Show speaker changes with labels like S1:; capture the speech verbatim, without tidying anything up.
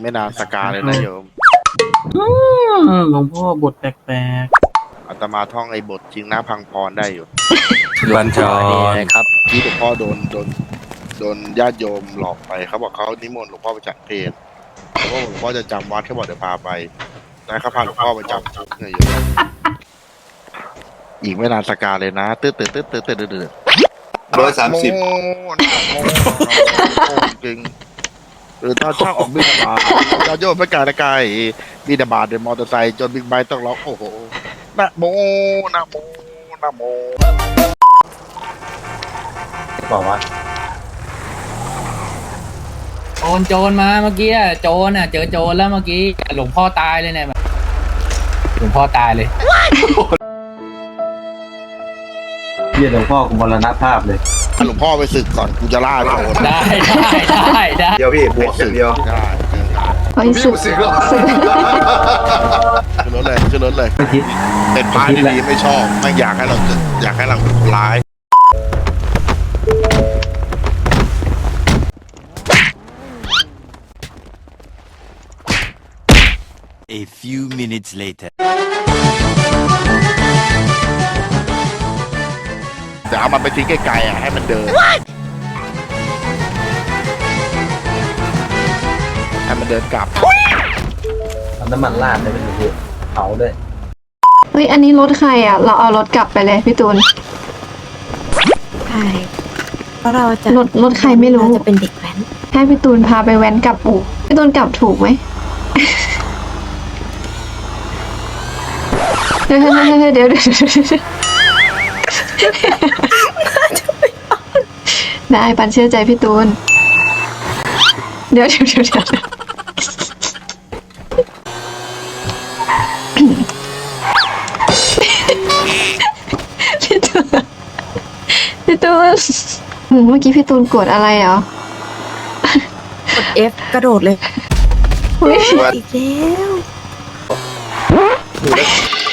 S1: ไม่นานสกาเลยนะโยม
S2: หลวงพ่อบทแปลก
S1: อาตมาท่องไอ้บทจริงนะพังพรได้อยู่
S3: บัญชร
S1: ครับที่หลวงพ่อโดนโดนโดนญาติโยมหลอกไปเขาบอกเขานิมนต์หลวงพ่อไปจัดเพลงแล้วก็หลวงพ่อจะจำวัดเขาบอกเดี๋ยวพาไปแล้วเขาพาหลวงพ่อไปจำจุดเนี่ยโยมอีกไม่นานสกาเลยนะตื้อตื้อตื้อตื้อตื้อตื้อ
S4: ร้อยสามสิบ
S1: จริงหรือตอนช่างออกบินบาตอนโยมไม่ไกลนะไกลบินบาเดินมอเตอร์ไซค์จนบิ๊กไบค์ต้องร้องโอ้โหนะโมนะโมนะโม
S2: บอกว่า
S5: โจรโจรมาเมื่อกี้อะโจรอ่ะเจอโจรแล้วเมื่อกี้หลวงพ่อตายเลยเนี่ยหลวงพ่อตายเลย
S2: เยี่ยหลวงพ่อกูมรณภาพเลย
S1: หลวงพ่อไปศึกก่อนกูจะล่าโจร
S5: ได้ได้ได้ได้
S4: เดียวพี่บวกอย่างเดียว
S1: ได้
S6: ไปสึก
S4: สึกแล้ว
S1: ขึ้นรถเลยขึ้นรถเลยเป็นพระดีๆไม่ชอบไม่อยากให้เราอยากให้เราเป็นคนร้าย
S3: A few minutes later
S1: เดี๋ยวเอามันไปทิ้งไกลๆอ่ะให้มันเดินให้มันเดินกลับ
S2: เอาน้ำมันราดเลยไปดูเผาด้วย
S6: เฮ้ยอันนี้รถใครอ่ะเราเอารถกลับไปเลยพี่ตูน
S7: ใช่เพราะเราจะ
S6: รถรถใครไม่รู้
S7: จะเป็นเด็กแว้น
S6: ให้พี่ตูนพาไปแว้นกลับอู่พี่ตูนกลับถูกไหมเดี๋ยวเดี๋ยวเดี๋ยวเดี๋ยวได้ปันเชื่อใจพี่ตูนเดี๋ยวเดี๋ยวเดี๋ยวเดี๋ยวพี่ตูนพี่ตูนเมื่อกี้พี่ตูนกดอะไรเหรอก
S7: ด F กระโดดเลย
S6: เฮ้ย
S7: อีกแล้ว